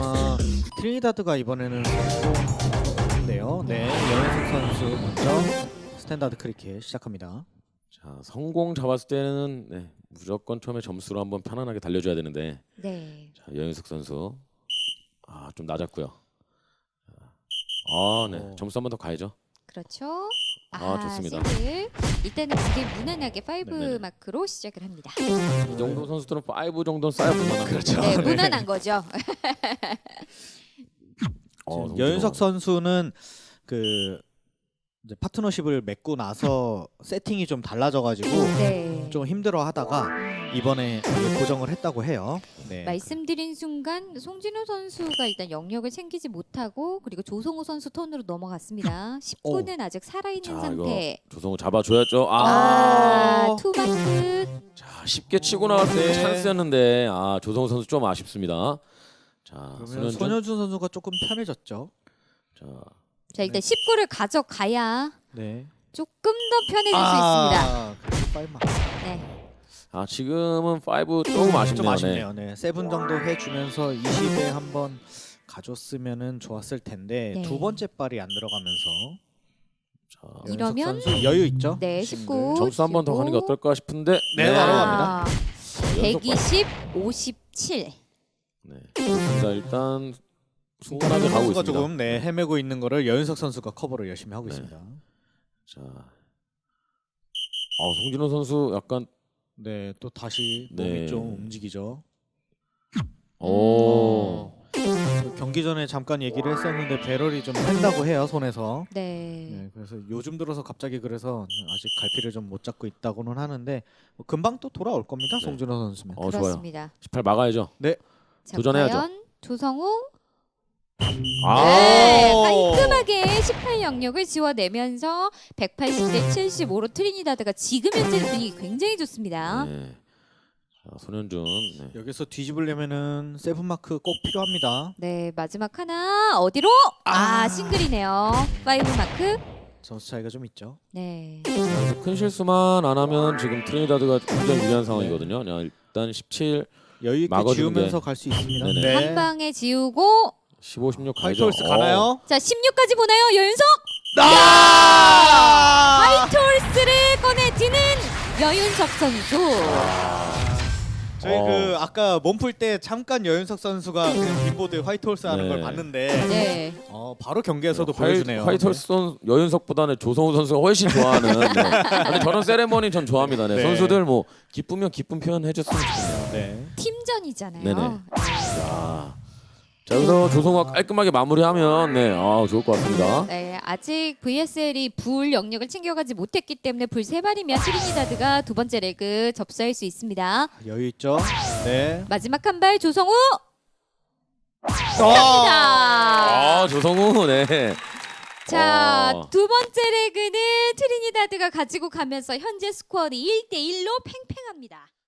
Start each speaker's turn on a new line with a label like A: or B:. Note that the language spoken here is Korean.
A: 아마 트리니다드가 이번에는 성공인데요. 네, 여현석 선수 먼저 스탠다드 크리켓 시작합니다.
B: 자, 성공 잡았을 때는 무조건 처음에 점수로 한번 편안하게 달려줘야 되는데.
C: 네.
B: 자, 여윤석 선수 좀 낮았고요. 네, 점수 한 번 더 가야죠.
C: 그렇죠.
B: 좋습니다.
C: 싱글. 이때는 굉장히 무난하게 5
B: 네네네.
C: 마크로 시작을 합니다.
B: 이 정도 선수들은 5 정도는 쌓여 볼만한
A: 그렇죠.
C: 네,
A: 네.
C: 무난한 거죠.
A: 지금 여윤석 선수는 그 이제 파트너십을 맺고 나서 세팅이 좀 달라져가지고
C: 네.
A: 좀 힘들어하다가 이번에 고정을 했다고 해요. 네.
C: 말씀드린 순간 송진우 선수가 일단 영역을 챙기지 못하고 그리고 조성우 선수 턴으로 넘어갔습니다. 19는 아직 살아있는
B: 자,
C: 상태.
B: 이거 조성우 잡아줘야죠.
C: 투마크.
B: 자, 쉽게 치고 나왔을 때 찬스였는데 조성우 선수 좀 아쉽습니다. 자,
A: 그러면 손현준 선수가 조금 편해졌죠.
C: 자, 일단 19를 가져가야
A: 네.
C: 조금 더 편해질 수 있습니다.
A: 그래도 빨마.
C: 네.
B: 지금은 5 조금 아쉽네요.
A: 좀 아쉽네요. 네. 세븐 정도 해주면서 20에 한번 가줬으면은 좋았을 텐데
C: 네.
A: 두 번째 발이 안 들어가면서 여윤석
C: 이러면
A: 선수 여유 있죠?
C: 네,
A: 싱글.
C: 19
B: 점수 한 번 더 가는 게 어떨까 싶은데.
A: 네, 바로 갑니다.
C: 120, 57.
B: 네, 좋습니다. 일단 순탄하게 가고
A: 선수가
B: 있습니다.
A: 조금 헤매고 있는 거를 여윤석 선수가 커버를 열심히 하고
B: 네.
A: 있습니다.
B: 자, 송진호 선수 약간
A: 네, 또 다시 몸이
B: 네.
A: 좀 움직이죠.
B: 오.
A: 경기 전에 잠깐 얘기를 했었는데 배럴이 좀 뺀다고 해요, 손에서.
C: 네.
A: 네, 그래서 요즘 들어서 갑자기 그래서 아직 갈피를 좀 못 잡고 있다고는 하는데 뭐 금방 또 돌아올 겁니다,
B: 네.
A: 송진호 선수면.
B: 좋아요.
C: 그렇습니다.
B: 18 막아야죠.
C: 자,
B: 도전해야죠.
C: 과연 조성우
B: 아,
C: 네, 깔끔하게 18 영역을 지워내면서 180대 75로 트리니다드가 지금 현재 분위기 굉장히 좋습니다.
B: 네. 자, 손현준. 네.
A: 여기서 뒤집으려면은 세븐 마크 꼭 필요합니다.
C: 네, 마지막 하나 어디로? 싱글이네요. 5 마크.
A: 점수 차이가 좀 있죠.
C: 네.
B: 자, 큰 실수만 안 하면 지금 트리니다드가 굉장히 유리한 상황이거든요. 자, 일단 17,
A: 여유 있게
B: 막아주는
A: 지우면서
B: 게-
A: 갈 수 있습니다.
B: 네네.
C: 한 방에 지우고
B: 15, 16 가야죠.
A: 화이트홀스 가나요?
C: 자, 16까지 보나요? 여윤석 화이트홀스를 꺼내지는 여윤석 선수.
A: 저희 그 아까 몸풀 때 잠깐 여윤석 선수가 그냥 빈보드 화이트홀스 하는
B: 네.
A: 걸 봤는데
C: 네.
A: 바로 경기에서도 보여주네요.
B: 화이트홀스 여윤석보다는 조성우 선수가 훨씬 좋아하는. 근데 저런 세레머니 전 좋아합니다. 네.
A: 네.
B: 선수들 뭐 기쁘면 기쁜 표현 해줬으면 좋겠네요.
A: 네.
C: 팀전이잖아요.
B: 네네. 자, 여기서 조성우가 깔끔하게 마무리하면 좋을 것 같습니다.
C: 네, 아직 VSL이 불 영역을 챙겨가지 못했기 때문에 불 3발이면 트리니다드가 두 번째 레그 접수할 수 있습니다.
A: 여유 있죠. 네.
C: 마지막 한 발 조성우
A: 아!
B: 조성우 네.
C: 자, 두 번째 레그는 트리니다드가 가지고 가면서 현재 스코어는 1대1로 팽팽합니다.